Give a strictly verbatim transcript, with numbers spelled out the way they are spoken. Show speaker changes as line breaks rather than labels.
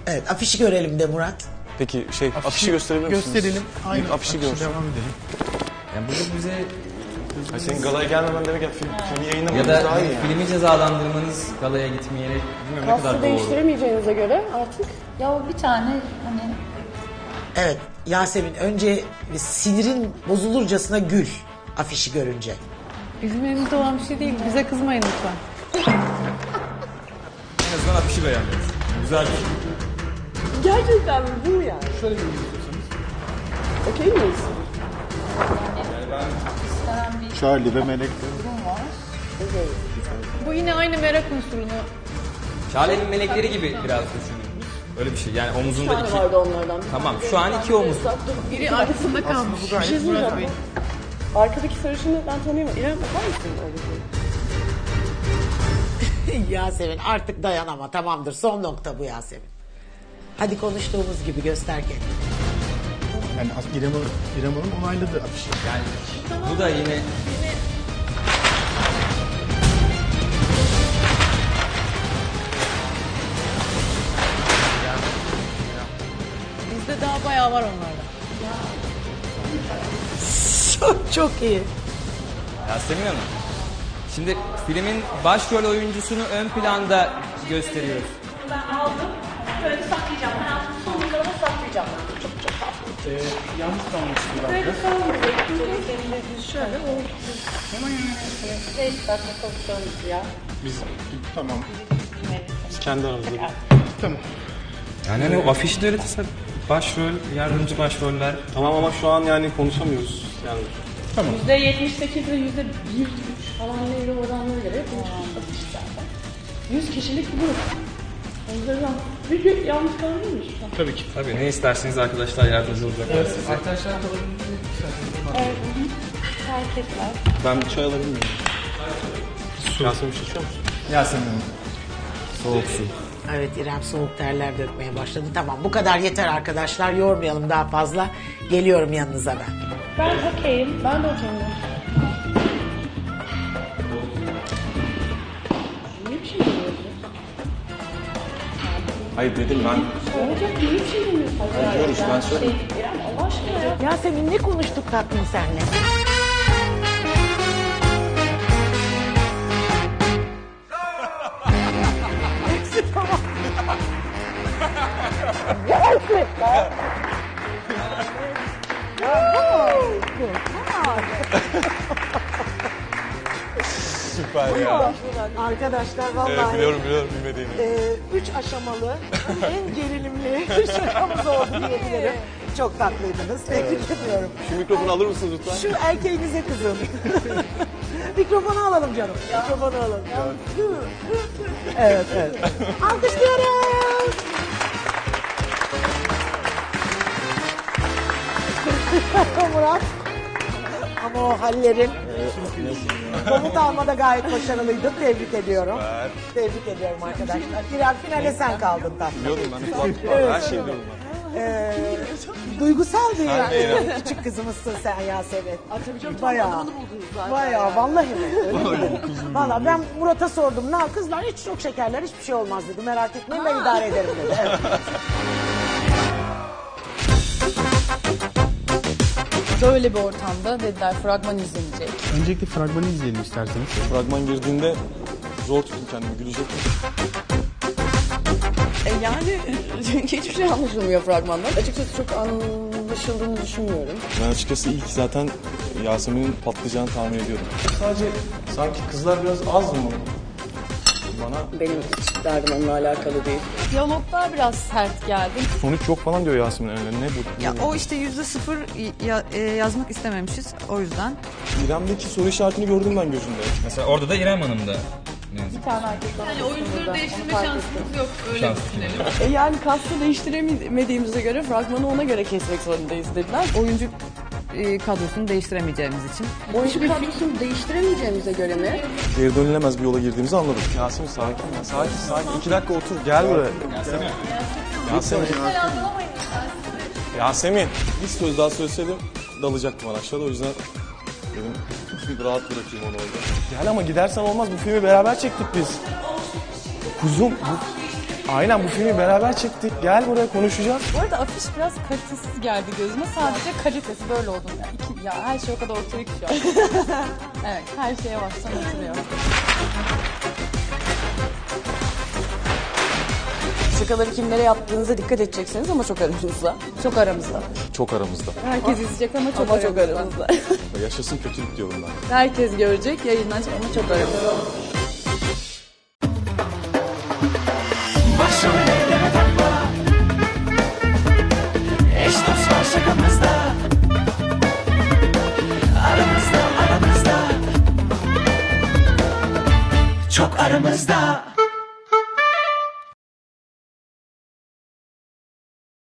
Evet, afişi görelim de Murat.
Peki şey afişi, afişi gösterebilir misiniz?
Gösterelim. Aynen.
İlk afişi görsün.
Devam edelim.
Yani burada bize
Ay senin galaya gelmemen demek ya film, filmi yayınlamanız
ya da
daha iyi. Yani.
filmi cezalandırmanız galaya gitmeyerek bilmiyorum ne kadar
Kastı
doğru.
değiştiremeyeceğinize göre artık.
Ya bir tane hani
Evet, Yasemin önce bir sinirin bozulurcasına gül afişi görünce.
Bizim elimizde olan bir şey değil. Bize kızmayın lütfen.
En azından afişi beğendiniz. Güzel bir şey.
Gerçekten mi bu yani?
Şöyle bir istiyorsanız.
Okey miyiz?
istenen bir
Charlie ve Melek.
durum var.
Bu yine aynı merak unsurunu.
Şale'nin melekleri gibi biraz düşünün. Öyle bir şey yani omuzunda
Bir
iki.
tane vardı onlardan.
Tamam şu an iki omuz.
Biri arkasında kalmış.
Bir şey söyleyeceğim. Arkadaki sarışını ben tanıyorum. İrem bakar mısın öyle bir?
Yasemin artık dayanama, tamamdır, son nokta bu Yasemin. Hadi konuştuğumuz gibi göster kendini.
Yani İrem Hanım, İrem Hanım onayladı afişi.
Yani bu da yine
Bizde daha bayağı var onlarda.
Çok çok iyi.
Yasemin Hanım. Şimdi filmin başrol oyuncusunu ön planda gösteriyoruz.
Ben aldım. Böyle saklayacağım. Hayatımın sonunda da saklayacağım. Çok çok tatlı.
Ee, yalnız kalmıştı bir
Böyle
dakika.
kalmayacak. Şöyle o. Ne istersen konuşalım ya.
Biz tamam.
Biz kendi aramızda.
Tamam.
Yani hani o afişi de öyle tasar. Başrol, yardımcı başroller.
Tamam ama şu an yani konuşamıyoruz. Yani
Yüzde yetmiş sekiz ve yüzde bir üç falan neydi oranlara göre konuşmuştuk zaten. Yüz kişilik bir grup. O yüzden bir gün yanlış kalır mıymış?
Tabii ki.
Tabii ne isterseniz arkadaşlar yardımcı olacaklar size.
Arkadaşlar kalabilir
Hareketler.
ben bir çay alabilir miyim? Yasemin bir şey içiyor musun?
Yasemin Hanım.
Soğuk su.
Evet, İrem soğuk terler dökmeye başladı. Tamam, bu kadar yeter arkadaşlar, yormayalım daha fazla. Geliyorum yanınıza ben.
Ben okeyim. Ben de okeyim. Niye bir şey demiyorsun?
Hayır dedim ben.
Olacak niye bir şey demiyorsun?
Diyoruz ben söyleyeyim.
Şey, İrem Allah aşkına ya.
Yasemin ne konuştuk tatlım senle?
Süper ya.
Arkadaşlar vallahi
Evet biliyorum biliyorum bilmediğini.
e, üç aşamalı en gerilimli şakamız oldu diyebilirim. Çok tatlıydınız. Tebrik ediyorum.
Şu mikrofonu alır mısınız lütfen?
Şu erkeğinize kızın. Mikrofonu alalım canım. Mikrofonu alalım. Evet, evet. Alkışlıyoruz. Murat. Ama o hallerin komut almada gayet başarılıydın. Tebrik ediyorum. Tebrik ediyorum arkadaşlar. İrem finale sen kaldın tatlım.
Biliyordum ben. Kulak, her şeyi biliyorum ben.
Ee, duygusal bir
Sen de İrem.
küçük kızımızsın sen Yasemin. Bayağı. Bayağı vallahi mi? Öyle mi? Vallahi ben Murat'a sordum. Ne kızlar hiç çok şekerler hiçbir şey olmaz dedi. Merak etmeyin ben idare ederim dedi. Evet.
Böyle bir ortamda dediler fragman izlenecek.
Öncelikle fragmanı izleyelim isterseniz.
Fragman girdiğinde zor tuttum kendimi, gülecektim.
E yani hiçbir şey anlaşılmıyor fragmandan. Açıkçası çok anlaşıldığını düşünmüyorum.
Ben açıkçası ilk zaten Yasemin'in patlayacağını tahmin ediyordum. Sadece sanki kızlar biraz az mı? Bana
Benim hiç derdim onunla alakalı değil.
Diyaloglar biraz sert geldi.
sonuç yok falan diyor Yasemin öyle. Ne bu?
Ya o işte yüzde sıfır ya- e, yazmak istememişiz o yüzden.
İrem'deki soru işaretini gördüm ben gözümde.
Mesela orada da İrem Hanım da.
Yani oyuncuları değiştirme şansımız yok. Öyle düşünelim.
E yani kastı değiştiremediğimize göre fragmanı ona göre kesmek zorundayız dediler.
Oyuncu e, kadrosunu değiştiremeyeceğimiz için.
Oyuncu kadrosunu değiştiremeyeceğimize göre mi?
Geri dönülemez bir yola girdiğimizi anladım. Yasemin sakin ya. Sakin sakin. İki dakika otur. Gel buraya. Yasemin. Yasemin. Yasemin. Bir söz daha söyleseydim dalacaktım ben aşağıda. O yüzden dedim bir rahat bırakayım onu orada. Gel ama gidersen olmaz. Bu filmi beraber çektik biz. Kuzum. Bu... Aynen bu filmi beraber çektik. Gel buraya konuşacağız.
Bu arada afiş biraz kalitesiz geldi gözüme. Sadece kalitesi böyle oldum ya. İki, ya her şey o kadar ortaya ki şu an. Evet, her şeye baştan oturuyor.
Şakaları kimlere yaptığınıza dikkat edeceksiniz ama çok aramızda. Çok aramızda.
Çok aramızda.
Herkes izleyecek ama çok
Ama çok
aramızda.
aramızda.
Yaşasın kötülük diyorum ben.
Herkes görecek, yayınlanacak ama çok aramızda.
Başrol eyleme takma. Eş dost var şakamızda. Aramızda aramızda. Çok aramızda.